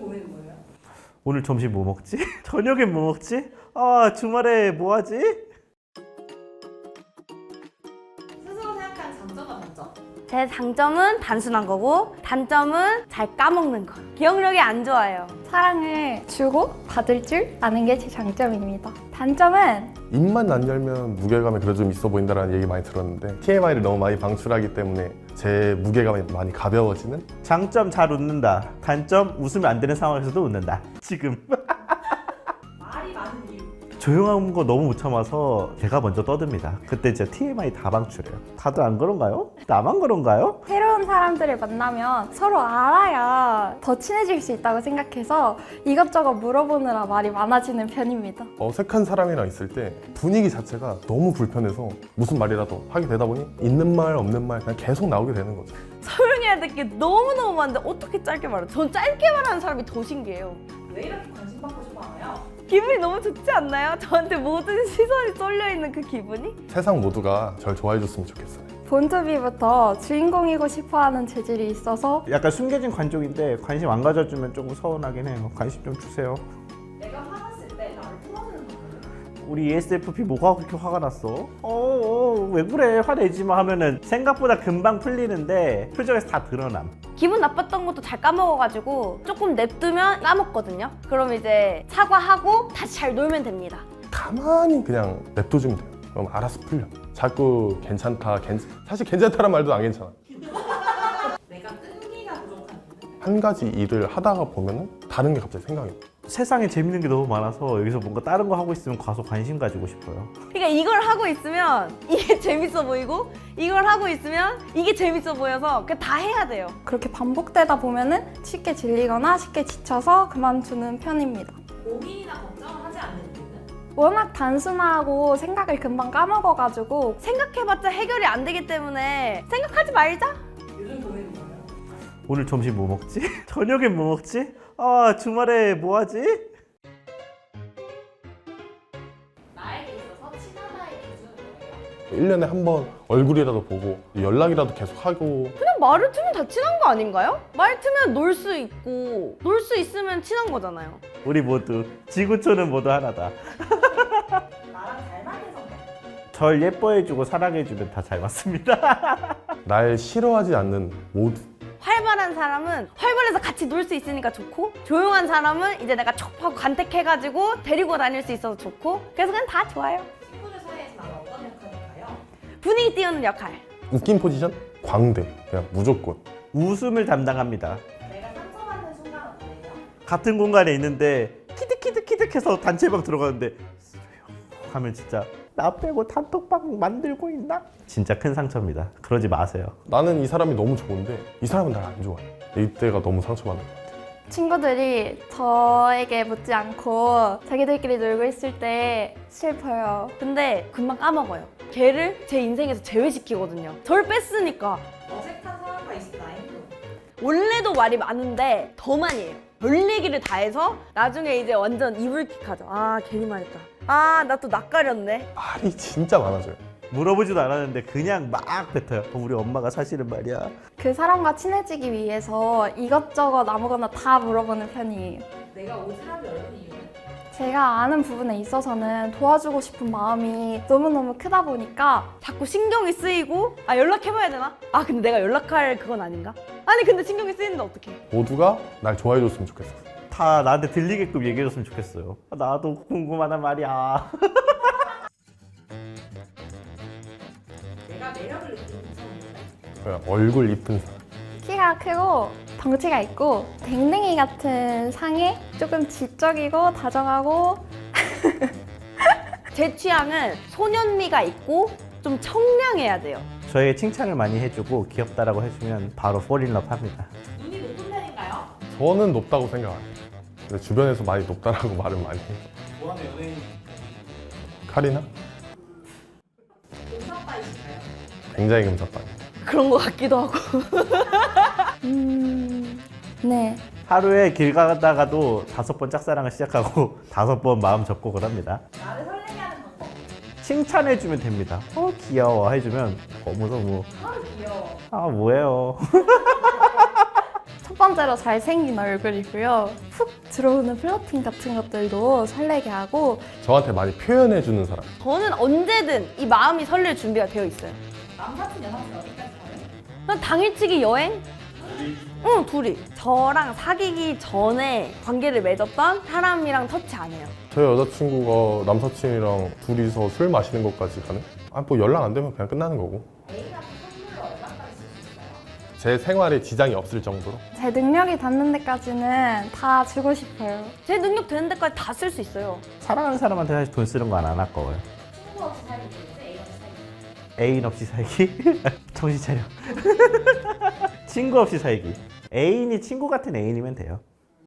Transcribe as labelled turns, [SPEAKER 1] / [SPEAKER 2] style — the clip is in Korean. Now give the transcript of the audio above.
[SPEAKER 1] 고민은 뭐예요?
[SPEAKER 2] 오늘 점심 뭐 먹지? 저녁엔 뭐 먹지? 아, 주말에 뭐 하지?
[SPEAKER 1] 스스로 생각하는 장점과 단점.
[SPEAKER 3] 제 장점은 단순한 거고 단점은 잘 까먹는 거. 기억력이 안 좋아요.
[SPEAKER 4] 사랑을 주고 받을 줄 아는 게 제 장점입니다. 단점은
[SPEAKER 5] 입만 안 열면 무게감이 그래도 좀 있어 보인다는 얘기 많이 들었는데 TMI를 너무 많이 방출하기 때문에 제 무게감이 많이 가벼워지는?
[SPEAKER 2] 장점 잘 웃는다. 단점 웃으면 안 되는 상황에서도 웃는다. 지금
[SPEAKER 1] 말이 많은 이유.
[SPEAKER 2] 조용한 거 너무 못 참아서 제가 먼저 떠듭니다. 그때 진짜 TMI 다 방출해요. 다들 안 그런가요? 나만 그런가요?
[SPEAKER 4] 새로운 사람들을 만나면 서로 알아야 더 친해질 수 있다고 생각해서 이것저것 물어보느라 말이 많아지는 편입니다.
[SPEAKER 5] 어색한 사람이랑 있을 때 분위기 자체가 너무 불편해서 무슨 말이라도 하게 되다 보니 있는 말 없는 말 그냥 계속 나오게 되는 거죠.
[SPEAKER 3] 설명해야 될 게 너무너무 많은데 어떻게 짧게 말해? 전 짧게 말하는 사람이 더 신기해요.
[SPEAKER 1] 왜 이렇게 관심 받고 싶어 하나요?
[SPEAKER 3] 기분이 너무 좋지 않나요? 저한테 모든 시선이 쏠려있는 그 기분이?
[SPEAKER 5] 세상 모두가 절 좋아해 줬으면 좋겠어요.
[SPEAKER 4] 본투비부터 주인공이고 싶어하는 재질이 있어서
[SPEAKER 2] 약간 숨겨진 관종인데 관심 안 가져주면 조금 서운하긴 해요. 관심 좀 주세요.
[SPEAKER 1] 내가 화났을 때 나를 풀어주는 방법은?
[SPEAKER 2] 우리 ESFP 뭐가 그렇게 화가 났어? 왜 그래? 화내지 마 하면은 생각보다 금방 풀리는데 표정에서 다 드러남.
[SPEAKER 3] 기분 나빴던 것도 잘 까먹어가지고 조금 냅두면 까먹거든요. 그럼 이제 사과하고 다시 잘 놀면 됩니다.
[SPEAKER 5] 가만히 그냥 냅둬주면 돼요. 그럼 알아서 풀려. 자꾸 괜찮다, 사실 괜찮다란 말도 안 괜찮아.
[SPEAKER 1] 내가 끈기가 부족한 이유는?
[SPEAKER 5] 한 가지 일을 하다가 보면은 다른 게 갑자기 생각이 나.
[SPEAKER 2] 세상에 재밌는 게 너무 많아서 여기서 뭔가 다른 거 하고 있으면 가서 관심 가지고 싶어요.
[SPEAKER 3] 그러니까 이걸 하고 있으면 이게 재밌어 보이고 이걸 하고 있으면 이게 재밌어 보여서 그냥 다 해야 돼요.
[SPEAKER 4] 그렇게 반복되다 보면은 쉽게 질리거나 쉽게 지쳐서 그만두는 편입니다.
[SPEAKER 1] 고민이나 걱정을 하지 않는 이유는?
[SPEAKER 4] 워낙 단순하고 생각을 금방 까먹어가지고
[SPEAKER 3] 생각해봤자 해결이 안 되기 때문에 생각하지 말자.
[SPEAKER 1] 요즘 고민은 뭐예요?
[SPEAKER 2] 오늘 점심 뭐 먹지? 저녁엔 뭐 먹지? 아, 주말에 뭐 하지?
[SPEAKER 1] 나에게 있어서 친하다의 기준은 뭐예요?
[SPEAKER 5] 1년에 한 번 얼굴이라도 보고 연락이라도 계속 하고
[SPEAKER 3] 그냥 말을 트면 다 친한 거 아닌가요? 말 트면 놀 수 있고 놀 수 있으면 친한 거잖아요.
[SPEAKER 2] 우리 모두 지구촌은 모두 하나다.
[SPEAKER 1] 나랑 잘 맞는 성격.
[SPEAKER 2] 절 예뻐해주고 사랑해주면 다 잘 맞습니다.
[SPEAKER 5] 날 싫어하지 않는 모두.
[SPEAKER 3] 활발한 사람은 활발해서 같이 놀 수 있으니까 좋고 조용한 사람은 이제 내가 촉하고 간택해가지고 데리고 다닐 수 있어서 좋고 그래서 그냥 다 좋아요.
[SPEAKER 1] 친구들 사이에서 나는 어떤 역할일까요?
[SPEAKER 3] 분위기 띄우는 역할.
[SPEAKER 5] 웃긴 포지션? 광대. 그냥 무조건.
[SPEAKER 2] 웃음을 담당합니다.
[SPEAKER 1] 내가 상처받는 순간은 뭐예요?
[SPEAKER 2] 같은 공간에 있는데 키득키득키득해서 단체방 들어가는데 하면 진짜 나 빼고 단톡방 만들고 있나? 진짜 큰 상처입니다. 그러지 마세요.
[SPEAKER 5] 나는 이 사람이 너무 좋은데 이 사람은 날 안 좋아해. 이때가 너무 상처받는 것 같아.
[SPEAKER 4] 친구들이 저에게 묻지 않고 자기들끼리 놀고 있을 때 슬퍼요.
[SPEAKER 3] 근데 금방 까먹어요. 걔를 제 인생에서 제외시키거든요. 저를 뺐으니까.
[SPEAKER 1] 어색한 사람과 있을 나의 행동.
[SPEAKER 3] 원래도 말이 많은데 더 많이 해요. 별 얘기를 다 해서 나중에 이제 완전 이불킥하죠. 아 괜히 말했다. 아 나 또 낯가렸네.
[SPEAKER 5] 말이 진짜 많아져요.
[SPEAKER 2] 물어보지도 않았는데 그냥 막 뱉어요. 우리 엄마가 사실은 말이야.
[SPEAKER 4] 그 사람과 친해지기 위해서 이것저것 아무거나 다 물어보는 편이에요.
[SPEAKER 1] 내가 오지랖이 넓은 이유는?
[SPEAKER 4] 제가 아는 부분에 있어서는 도와주고 싶은 마음이 너무너무 크다 보니까
[SPEAKER 3] 자꾸 신경이 쓰이고 아 연락해봐야 되나? 아 근데 내가 연락할 그건 아닌가? 아니 근데 신경이 쓰이는데 어떡해.
[SPEAKER 5] 모두가 날 좋아해 줬으면 좋겠어.
[SPEAKER 2] 다 나한테 들리게끔 얘기해줬으면 좋겠어요. 나도 궁금하단 말이야.
[SPEAKER 1] 내가 매력을 느끼는 이성은?
[SPEAKER 5] 그냥 얼굴 이쁜 사람.
[SPEAKER 4] 키가 크고 덩치가 있고 댕댕이 같은 상에 조금 지적이고 다정하고
[SPEAKER 3] 제 취향은 소년미가 있고 좀 청량해야 돼요.
[SPEAKER 2] 저에게 칭찬을 많이 해주고 귀엽다라고 해주면 바로 폴인러브 합니다.
[SPEAKER 1] 눈이 높은 편인가요?
[SPEAKER 5] 저는 높다고 생각 안 해요. 근데 주변에서 많이 높다라고 말을 많이 해요.
[SPEAKER 2] 좋아하는 연예인
[SPEAKER 5] 카리나?
[SPEAKER 1] 금사빠이신가요?
[SPEAKER 5] 굉장히 금사빠.
[SPEAKER 3] 그런 것 같기도 하고.
[SPEAKER 4] 네.
[SPEAKER 2] 하루에 길 가다가도 5번 짝사랑을 시작하고 5번 마음 접고 그럽니다.
[SPEAKER 1] 나를 설레게 하는 방법.
[SPEAKER 2] 칭찬해주면 됩니다. 귀여워 해주면 너무
[SPEAKER 1] 아 귀여워.
[SPEAKER 2] 뭐예요.
[SPEAKER 4] 첫 번째로 잘생긴 얼굴이고요. 훅 들어오는 플러팅 같은 것들도 설레게 하고
[SPEAKER 5] 저한테 많이 표현해주는 사람.
[SPEAKER 3] 저는 언제든 이 마음이 설렐 준비가 되어 있어요.
[SPEAKER 1] 남사친 여사친 어디까지 가요?
[SPEAKER 3] 그냥 당일치기 여행? 응, 둘이. 저랑 사귀기 전에 관계를 맺었던 사람이랑 터치 안 해요.
[SPEAKER 5] 제 여자친구가 남사친이랑 둘이서 술 마시는 것까지 가는? 뭐 연락 안 되면 그냥 끝나는 거고.
[SPEAKER 1] 애인한테 선물을 얼마까지 쓸 수 있어요?
[SPEAKER 5] 제 생활에 지장이 없을 정도로.
[SPEAKER 4] 제 능력이 닿는 데까지는 다 주고 싶어요.
[SPEAKER 3] 제 능력 되는 데까지 다 쓸 수 있어요.
[SPEAKER 2] 사랑하는 사람한테 사실 돈 쓰는 거 안 아까워요.
[SPEAKER 1] 친구 없이 살기 좋은지 애인 없이 살기 좋은지.
[SPEAKER 2] 애인 없이 살기? 정신 차려. 친구 없이 살기. 애인이 친구 같은 애인이면 돼요.